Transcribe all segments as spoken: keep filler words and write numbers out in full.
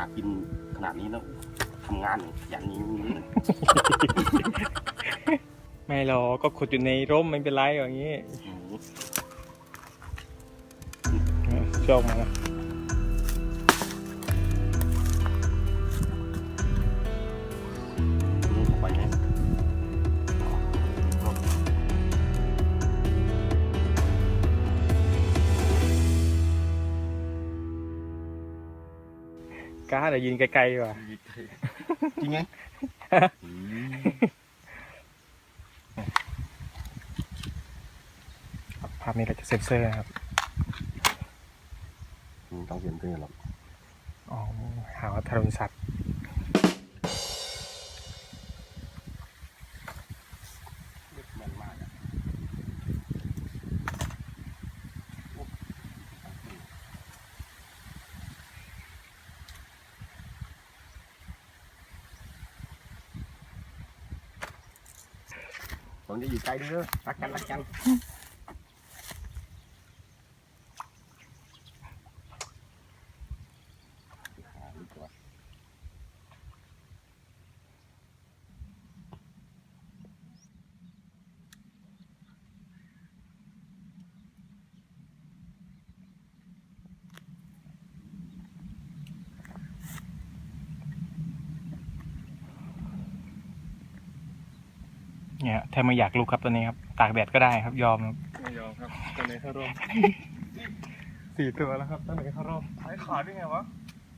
กินขนาดนี้แล้วทำงานอย่างนี้ไม่หรอกก็ขุดอยู่ในร่มไม่เป็นไรอย่างนี้ชอบมาไปไหมกล้าแต่ยินไกลๆว่ะจริงไงภาพนี้เราจะเซ็นเซอร์นะครับต้องเซ็นเซอร์หรอกอ๋อหาว่าทารุณสัตว์แม่นมากอะผมจะอยู่ไกลเด้อรักกันรักกันเนี่ยถ้าไม่อยากลุกครับตัวนี้ครับตากแดดก็ได้ครับยอมครับไม่ยอมครับตัวไหนเข้าร่มสี่ตัวแล้วครับตัวไหนเข้ารอบไอ้ขาดได้ไงวะ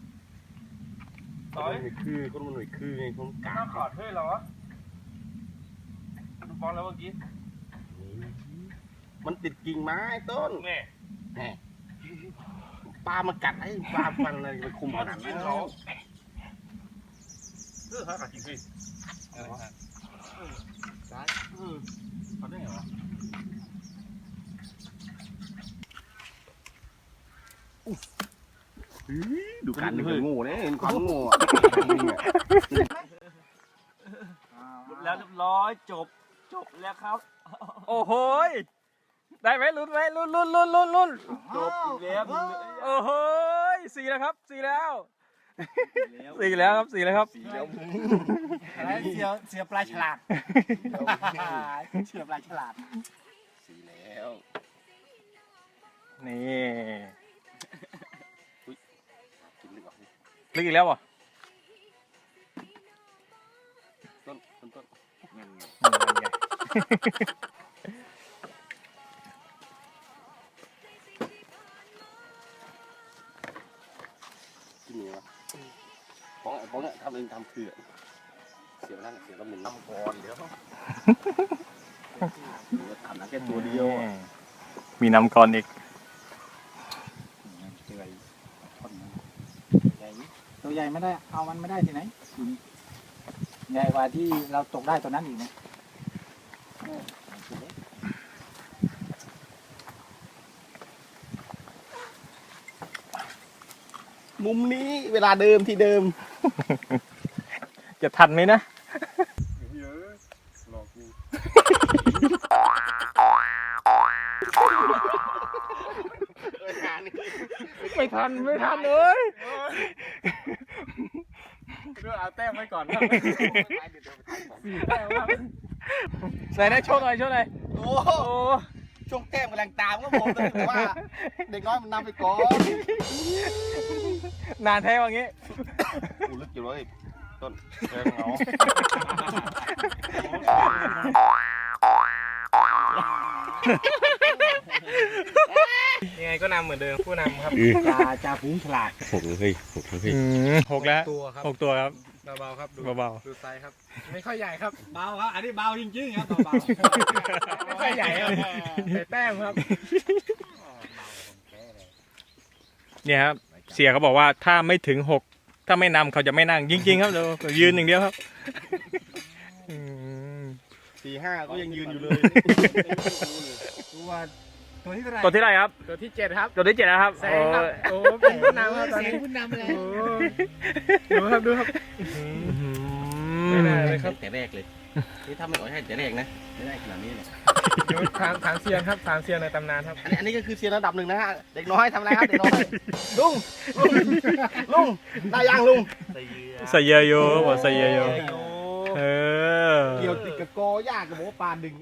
ต่อยคือคนมันหน่วยคือไงคนกาหน้าขาดเฮ้ยเหรอวะดูบอลแล้วเมื่อกี้มันติดกิ่งไม้ต้นแม่แหมปลามากัดไอ้ปลาฟันอะไรไปคุมขนาดนั้นเขาเออขาขาดจริงสิอะไรวะซ้ายเออขาดได้ไงวะดูกันนี่คือโง่เนี่ยเห็นความโง่อะแล้วเรียบร้อยจบจบแล้วครับโอ้โหได้ไหมลุ้นไหมลุ้นลุ้นลุ้นลุ้นลุ้นจบแล้วโอ้โหสี่แล้วครับสี่แล้วสี่แล้วครับสี่แล้วครับอะไรเสียเสียปลายฉลาดเสียปลายฉลาดสีแล้วนี่กินดีกว่าลึกอีกแล้วเหรอต้นต้นต้นนี่มันใหญ่กินยังไงวะป้องป้องเนี่ยทำเองทำคือเสียแล้วเสียแล้วหมุนน้ำก่อนเดี๋ยวทำนะแค่ตัวเดียวมีน้ำก่อนอีกตัวใหญ่ไม่ได้เอามันไม่ได้ที่ไหนใหญ่กว่าที่เราตกได้ตัวนั้นอีกนะมุมนี้เวลาเดิมที่เดิมจะทันไหมนะเยอะหลอกกูไม่ทันไม่ทันเลยเรื่องเอาแต้มไว้ก่อนครับใส่ได้โชว์หน่อยโชว์หน่อยโอ้โอ้ช่วงแก้มกำลังตามก็ผมแต่ว่าเด็กน้อยมันนำไปก่อนนานแท้ว่างี้กูลึกอยู่เลยต้นแต้มเหงายังไงก็นำเหมือนเดิมผู้นำครับจ่าจ่าฝูงฉลาดหกเลยเฮ้ยหกเลยเฮ้ยหกแล้วตัวครับหกตัวครับเบาๆครับดูเบาดูไซส์ครับไม่ค่อยใหญ่ครับเบาครับอันนี้เบาจริงๆครับเบาไม่ค่อยใหญ่ครับแต่แต้มครับ เนี่ยครับเสียเขาบอกว่าถ้าไม่ถึงหกถ้าไม่นำเขาจะไม่นั่งจริงๆครับเดี๋ยวยืนอย่างเดียวครับอืมสี่ห้าก็ยังยืนอยู่เลยตัวตัวที่เท่าไหร่ตัวที่ไรครับตัวที่เจ็ดครับตัวที่เจ็ดนะครับแซงครับโอ้เป็นผู้นำครับตอนเสียงนี้ผู้นำเลยโอ้ดูครับดูครับไม่น่าเลยครับแต่แรกเลยนี่ถ้าไม่อ่อยให้แต่แรกนะไม่ได้ขนาดนี้เลยถามถามเซียนครับถามเซียนในตำนานครับอันนี้อันนี้ก็คือเซียนระดับหนึ่งนะฮะเด็กน้อยทำอะไรครับเด็กน้อยลุงลุงลุงได้ยังลุงใส่เยอะโย่บอกใส่เยอะโย่เออเกี่ยวติดกับกอยากกับโมปลาดึง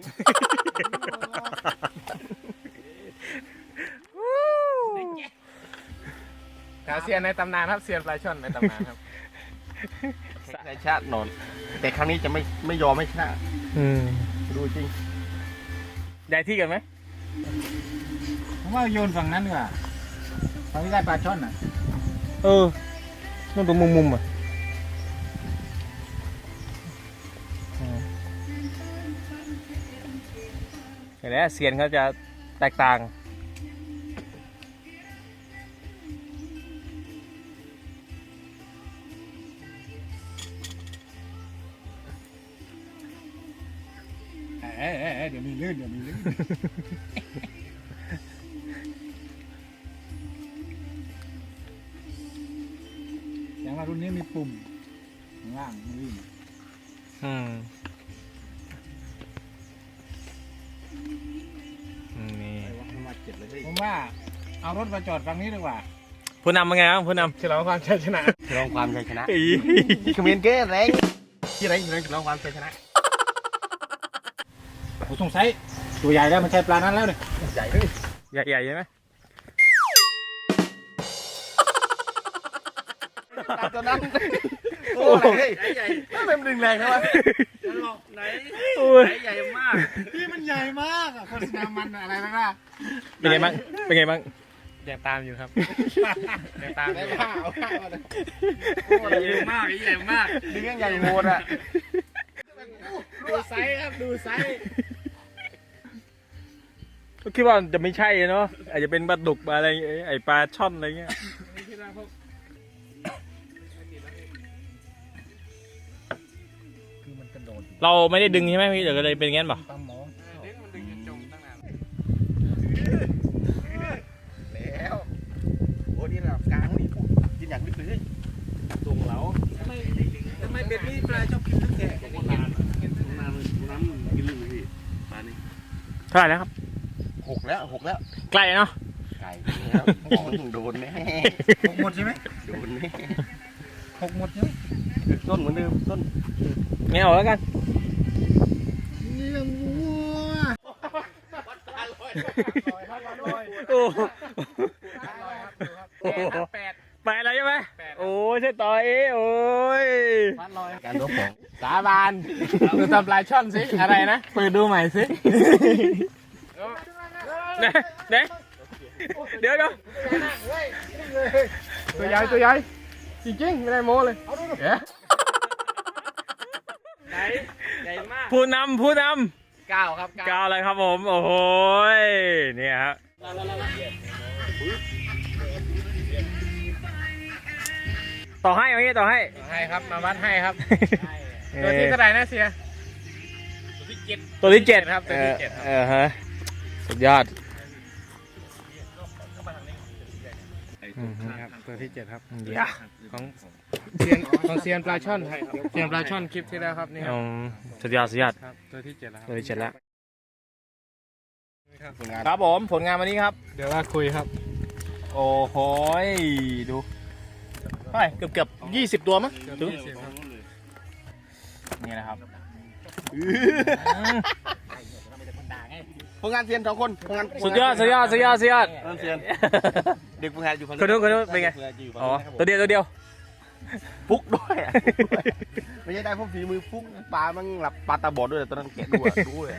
ถามเซียนในตำนานครับเซียนปลาช่อนในตำนานครับในชาตินอนแต่ครั้งนี้จะไม่ไม่ยอมไม่ชนะอืมดูจริงได้ที่กันไหมผมว่าโยนฝั่งนั้นดีกว่าฝั่งที่ได้ปลาช่อนอ่ะเออนั่นตรงมุมมุมๆอ่ะอืมเห็นไหมเซียนเขาจะแตกต่างเอ้ยเอ้ยเอ้ยเดี๋ยวมีลื่นเดี๋ยวมีลื่นอย่างว่ารุ่นนี้มีปุ่มข้างล่างมันวิ่งอืมอืมนี่มาเจ็ดเลยเฮ้ยผมว่าเอารถมาจอดฝั่งนี้ดีกว่าผู้นำเป็นไงครับผู้นำฉลองความชัยชนะฉลองความชัยชนะอีคอมเมนต์เก้แรงที่ไรที่ไรฉลองความชัยชนะผมสงสัยตัวใหญ่แล้วมันใช่ปลานั้นแล้วเนี่ยใหญ่เลยใหญ่ๆใช่ไหมตัวนั้นโอ้ยใหญ่ๆเต็มดึงแรงใช่ไหมไหนโอ้ยใหญ่มากพี่มันใหญ่มากอะโฆษณามันอะไรนะล่ะเป็นไงบ้างเป็นไงบ้างยังตามอยู่ครับยังตามอได้ยู่ผ้าเอาผ้ามาเลยใหญ่มากใหญ่มากดึงยังใหญ่โหดอ่ะดูไซส์ครับดูไซส์ก็คิดว่าจะไม่ใช่เนาะอาจจะเป็นปลาดุกปลาอะไรไอปลาช่อนอะไรเงี้ยนี่คือเราพวกคือมันกระโดดเราไม่ได้ดึงใช่ไหมพี่เดี๋ยวก็เลยเป็นงั้นป่ะปลาหมอดึงมันดึงจนจมตั้งนานแล้วโอ้นี่ระดับกลางนี่กินอย่างลึกเลยตรงเราทำไมทำไมเบ็ดนี่ปลาชอบกินทั้งแก่ของนานน้ำน้ำกินลึกเลยพี่ปลานี่เท่าไหร่แล้วครับหกแล้วหกแล้วใกล้เนาะไก่แล้วมองโดนแน่หกหมดใช่ไหมโดนแน่หกหมดใช่ไหมต้นเหมือนเดิมต้นไม่เอาแล้วกันเลี้ยงวัวโอ้โหแปดไปแล้วใช่ไหมโอ้ยใช่ต่อเอโอ้ยพันลอยการรบของสาบานดูตำปลาช่อนสิอะไรนะเปิดดูใหม่สิเนะเนะเดี๋ยวเดี๋ยวตัวใหญ่ตัวใหญ่จริงๆไม่ได้โม้เลยเดี๋ยวใหญ่ใหญ่มากผู้นำผู้นเก้าครับำกาวอะไรครับผม โอ้โหยเนี่ยครับต่อให้เอางี้ต่อให้ให้ครับมาวัดให้ครับตัวที่เท่าไหร่นะเสียตัวที่เจ็ดครับตัวที่เจ็ดครับเออฮะสุดยอดอืมครับตัวที่เจ็ดครับเดี๋ยวของเซียนของเซียนปลาช่อนเซียนปลาช่อนคลิปที่แล้วครับนี่คอืรับมสุดยอดสุดยอดครับตัวที่เจ็ดแล้วคตัวรับที่เจ็ดแล้วผลงานครับผมผลงานวันนี้ครับเดี๋ยวว่าคุยครับโอ้โหยดูเท่าไหร่เกือบเกือบยี่สิบตัวมั้งถึงยี่สิบครับนี่นะครับผลงานเซียนสองคนผลงานสุดยอดสุดยอดสุดยอดสุดยอดเริ่มเซียนเด็กผลงานอยู่ฝั่งคนนู้นคนนู้นเป็นไง อ๋อตัวเดียวตัวเดียวฟุกด้วยอะไม่ใช่ได้พวกฝีมือฟุกปลามันหลับปลาตาบอดด้วยตอนนั้นแกะด้วยด้วย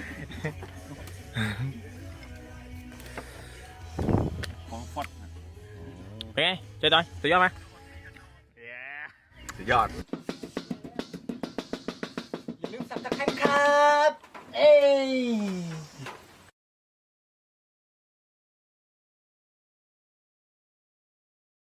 ของฟอดเป็นไงเจ๊ดอยสุดยอดไหมสุดยอดอย่าลืมสับตะไคร้ครับ เอ้ย